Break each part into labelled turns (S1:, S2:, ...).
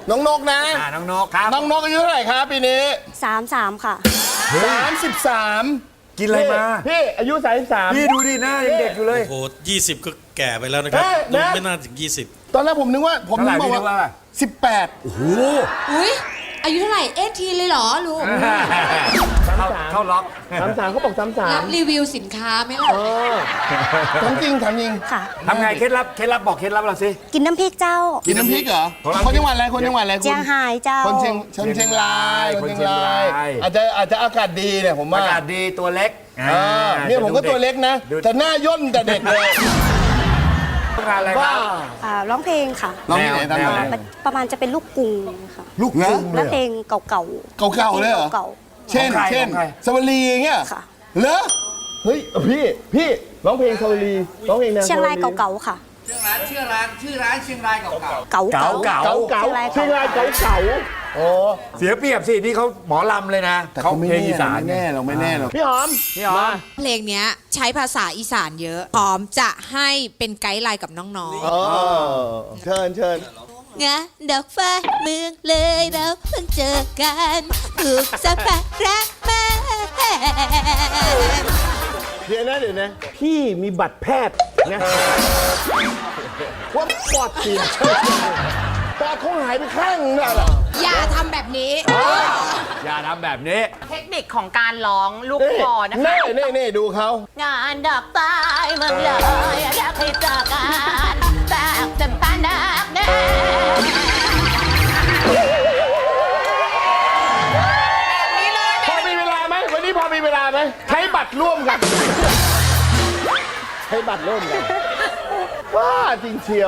S1: น้องนกนะ
S2: น้องนกครับ
S1: น้องนกอายุเท่าไหร่ครับปีนี้
S3: 33 ค่ะ
S1: 33
S2: กินอะไรมา
S1: พี่อายุ33
S2: พี่ดูดิหน้ายังเด็กอยู่เลย
S4: โอ้โห20 ก็แก่ไปแล้วนะครับ
S1: เอ๊ะ
S4: ดู
S1: นะ
S4: ไม่น่าถึง 20
S1: ตอนแรกผมนึกว่าผม
S2: เท่าไหร่
S1: นึก
S2: พี่นึก
S1: ว่า
S2: ว่า
S1: 18
S2: โอ้โห
S5: อุ้ยอายุเท่าไหร่เอทีเลยเหรอลุง
S2: เข้าล็อก
S1: 33เขาบอก
S5: รับ
S1: 33
S5: รีวิวสินค้าไหมล่ะ
S1: ถามจริงถามจริง
S3: ค่ะ
S2: ทำไงเคล็ดลับบอกเคล็ดลับเราสิ
S3: กินน้ำพริกเจ้า
S1: กินน้ำพริกเหรอ
S2: ของเรา
S1: คนจังหวัดอะไรคนจังหวัดอะไรคุณ
S3: เจียงไฮ้เจ้า
S1: คนเชียงรายคนเชียงรายอาจจะอากาศดีเนี่ยผม
S2: อา
S1: ว่า
S2: กาศดีตัวเล็ก
S1: เนี่ยผมก็ตัวเล็กนะ แต่หน้าย่นแต่เด็กเลย
S2: งานอะไรค
S1: บ้า
S2: รับ
S3: ร้องเพลงค่ะ
S1: น้องที่ไหนตาม
S2: แนว
S1: ไหน
S2: ไหน
S3: ประมาณจะเป็นลูกกรุงค่ะ
S1: ลูกนะ
S3: และเพลงเก่า
S1: เก่าๆเลยเหรอ
S3: เก่า
S1: เช่น
S2: ของใคร
S1: เช่น
S2: ของใคร
S1: สวลีอย่างเงี้ย
S3: ค่ะ
S1: เหรอเฮ้ยพี่ร้องเพลงสวลีร้องเพลงแนว
S3: ๆเชียงรายเก่าๆค่ะ
S6: ชื่อร้านเชียงรายเก่า
S3: เก่า
S2: เก๋า
S3: ๆ
S2: เก๋า
S1: เก่าๆเชียงรายเก่าๆโอ้
S2: เสียเปรียบสินี่เขาหมอลำเลยนะ
S1: แต่
S2: เขา
S1: เขาไม่
S2: เพลงอีสาน
S1: แน่เราไม่แน่หรอกพี่หอม
S2: พี่หอม
S5: เพลงเนี้ยใช้ภาษาอีสานเยอะ พร้อมจะให้เป็นไกด์ไลน์กับน้อง
S1: เออเชิญ
S5: ๆงะดอกฟ้าเมืองเลยเราเพิ่งเจอกันถูกสัมผัสรักมา
S1: เดี๋ยวนะพี่มีบัตรแพทย์นะว่าปอดเสียปอดเขาหายไปข้างนึงเหรอ
S5: อย่าทำแบบนี้
S2: อย่าทำแบบนี้
S7: เทคนิคของการร้องลูกคอนะคะ
S1: นี่ดูเขา
S7: งานดอกไม้เมืองเลยอยากให้เจอกันจากจำปานักแน่
S1: พอมีเวลาไหมวันนี้พอมีเวลาไหมใช้บัตรร่วมกันใช้บัตรร่วมกันว้าจริงเชียว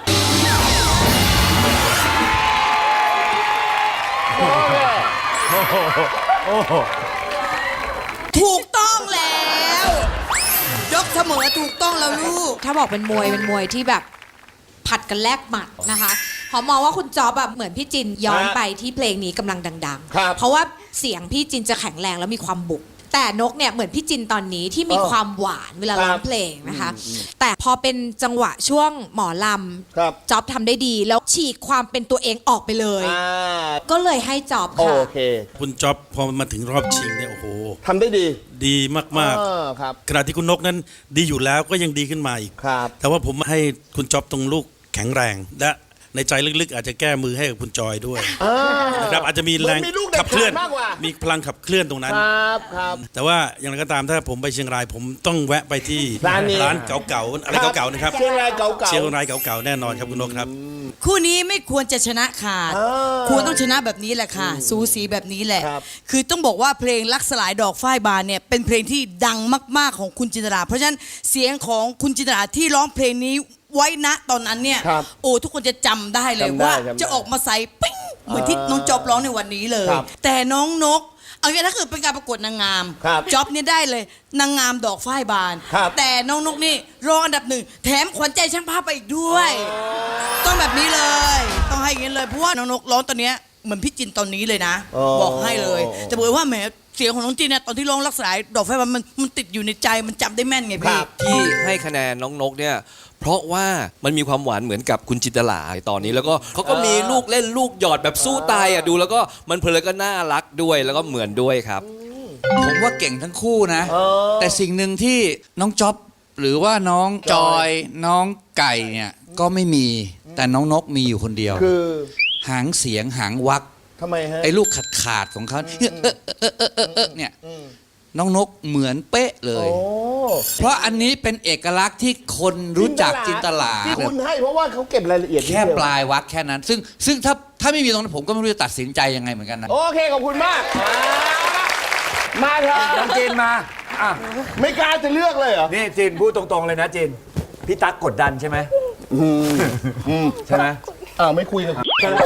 S1: โอ้โห
S5: ถูกต้องแล้ว ยกเสมอถูกต้องแล้วลูก ถ้าบอกเป็นมวยที่แบบผัดกันแลกหมัดนะคะหอมมองว่าคุณจ๊อบแบบเหมือนพี่จินย้อนไปที่เพลงนี้กำลังดัง
S1: ครับ
S5: ๆ เพราะว่าเสียงพี่จินจะแข็งแรงแล้วมีความบุก แต่นกเนี่ยเหมือนพี่จินตอนนี้ที่มีความหวานเวลาร้องเพลงนะคะ แต่พอเป็นจังหวะช่วงหมอล
S1: ครับ
S5: ำจ๊อบทำได้ดีแล้วฉีกความเป็นตัวเองออกไปเลย ก็เลยให้จ๊อบ
S1: โอ
S5: ค่ะ
S1: เค
S4: คุณจ๊อบพอมาถึงรอบชิงเนี่ยโอ้โห
S1: ทำได้ดี
S4: ดีมาก
S1: ครับ
S4: ๆ ขณะที่คุณนกนั้นดีอยู่แล้วก็ยังดีขึ้นมาอีก
S1: ครับ
S4: แต่ว่าผมให้คุณจ๊อบตรงลูกแข็งแรง และในใจลึกๆ อาจจะแก้มือให้กับคุณจอยด้วยนะครับอาจจะมีแรง
S1: เหมือนมีลูกเด็ด
S4: ขับเคลื่อน
S1: ขาดมากกว่า
S4: มีพลังขับเคลื่อนตรงนั้น
S1: ครับ
S4: แต่ว่าอย่างไรก็ตามถ้าผมไปเชียงรายผมต้องแวะไปที่
S1: ร้านนี้
S4: ร้านเก่าๆอะไรเก่าๆนะครับ
S1: เชียงรายเก่าๆ
S4: เชียงรายเก่าๆแน่นอนครับคุณนกครับ
S8: คู่นี้ไม่ควรจะชนะขาด ควรต้องชนะแบบนี้แหละค่ะ สูสีแบบนี้แหละ
S1: ครับ
S8: คือต้องบอกว่าเพลงรักสลายดอกฝ้ายบานเนี่ยเป็นเพลงที่ดังมากๆของคุณจินตราเพราะฉะนั้นเสียงของคุณจินตราที่ร้องเพลงนี้ไว้ณตอนนั้นเนี่ย
S1: ครับ
S8: โอ้ทุกคนจะจำได้เลย
S1: จำได้
S8: ว่า
S1: จำได้
S8: จะออกมาใส่ปิ้งเหมือนที่น้องจอบร้องในวันนี้เลย
S1: ครับ
S8: แต่น้องนกเอางี้ถ้าเกิดเป็นการประกวดนางงาม
S1: ครับ
S8: จ๊อบเนี่ยได้เลยนางงามดอกฝ้ายบาน
S1: ครับ
S8: แต่น้องนกนี่รองอันดับหนึ่งแถมขวัญใจช่างภาพไปอีกด้วย ต้องแบบนี้เลย ต้องให้อย่างนี้เลย เพราะว่าน้องนกร้องตอนเนี้ยเหมือนพี่จินตอนนี้เลยนะ บอกให้เลย แต่บอกว่าแหมเสียงของน้องจินเนี่ยตอนที่ร้องรักษาดอกไฟมันติดอยู่ในใจมันจำได้แม่นไงพี่
S9: ที่ให้คะแนนน้องนกเนี่ยเพราะว่ามันมีความหวานเหมือนกับคุณจินตลาตอนนี้แล้วก็เขาก็มีลูกเล่นลูกหยอดแบบสู้ตายอ่ะดูแล้วก็มันเพลินก็น่ารักด้วยแล้วก็เหมือนด้วยครับ
S6: ผมว่าเก่งทั้งคู่นะ แต่สิ่งหนึ่งที่น้องจ๊อบหรือว่าน้องจอยน้องไก่เนี่ยก็ไม่มีแต่น้องนกมีอยู่คนเดียว
S1: คือ
S6: หางเสียงหางวัก
S1: ทำไมฮะ
S6: ไอ้ลูกขาดของเขาเนี่ยน้องนกเหมือนเป๊ะเลย
S1: โอ้
S6: เพราะอันนี้เป็นเอกลักษณ์ที่คนรู้จักจินตลา
S1: ที่คุณให้เพราะว่าเขาเก็บรายละเอียด
S6: แค่
S1: นิดเดียว
S6: ปลายวักแค่นั้น ซึ่งถ้าไม่มีตรงนั้นผมก็ไม่รู้จะตัดสินใจยังไงเหมือนกันนะ
S1: โอเคขอบคุณมาก มาเถอะ
S2: น้องจีนมาอ่ะ
S1: ไม่กล้าจะเลือกเลยเหรอ
S2: นี่จีนพูดตรงๆเลยนะจีนพี่ตั๊กกดดันใช่ไหมใช่ไหม
S1: อ้าวไม่คุยกับ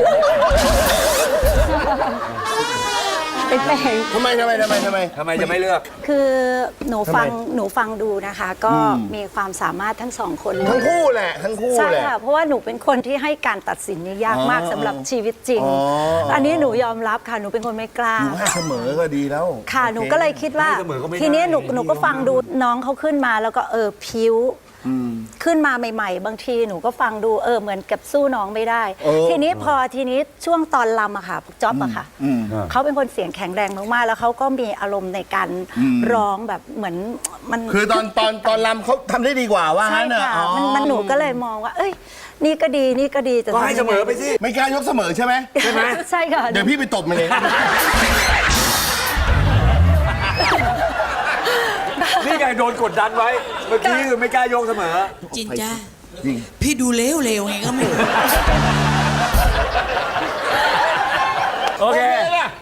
S3: เป็นเพลง
S1: ทำไม
S2: ทำไมจะไม่เลือก
S3: คือหนูฟัง
S1: ทำไม
S3: หนูฟังดูนะคะ ก็มีความสามารถทั้งสองคนเลย
S1: ทั้งคู่แหละทั้งคู่
S3: ใช่
S1: แหละ
S3: ค่ะ เพราะว่าหนูเป็นคนที่ให้การตัดสินนี่ยากมากสำหรับชีวิตจริง อันนี้หนูยอมรับค่ะ หนูเป็นคนไม่กล้า
S1: อยู่ให้เสมอก็ดีแล้ว
S3: ค่ะ หนูก็เลยคิดว่า
S2: ให้เสมอก็ไม่ได้
S3: ทีนี้หนู
S2: ดี
S3: ก็ฟังดูน้องเขาขึ้นมาแล้วก็พิ้วขึ้นมาใหม่ๆ บางทีหนูก็ฟังดูเหมือนกับสู้น้องไม่ได้ ทีนี้ช่วงตอนรำอะค่ะจ๊อบอะค่ะเขาเป็นคนเสียงแข็งแรงมากๆแล้วเขาก็มีอารมณ์ในการร้องแบบเหมือนมัน
S1: คือตอนรำเขาทำได้ดีกว่าว่า
S3: ใช่
S1: งั้นเนอะ
S3: ค่ะ
S1: อ๋อ
S3: มันหนูก็เลยมองว่า เอ้ย นี่ก็ดีนี่ก็ดีแต่
S2: ก็ให้เสมอไปสิ
S1: ไม่กล้ายกเสมอใช่ไหม
S3: ใช่ไหมใช่ค่ะ
S1: เดี๋ยวพี่ไปตบมันเอง
S2: นี่ไงโดนกดดันไว้ เมื่อกี้คือไม่กล้าโยกเสมอ
S8: จินจ้าพี่ดูเลวๆไงก็ไม่รู้
S2: โอเค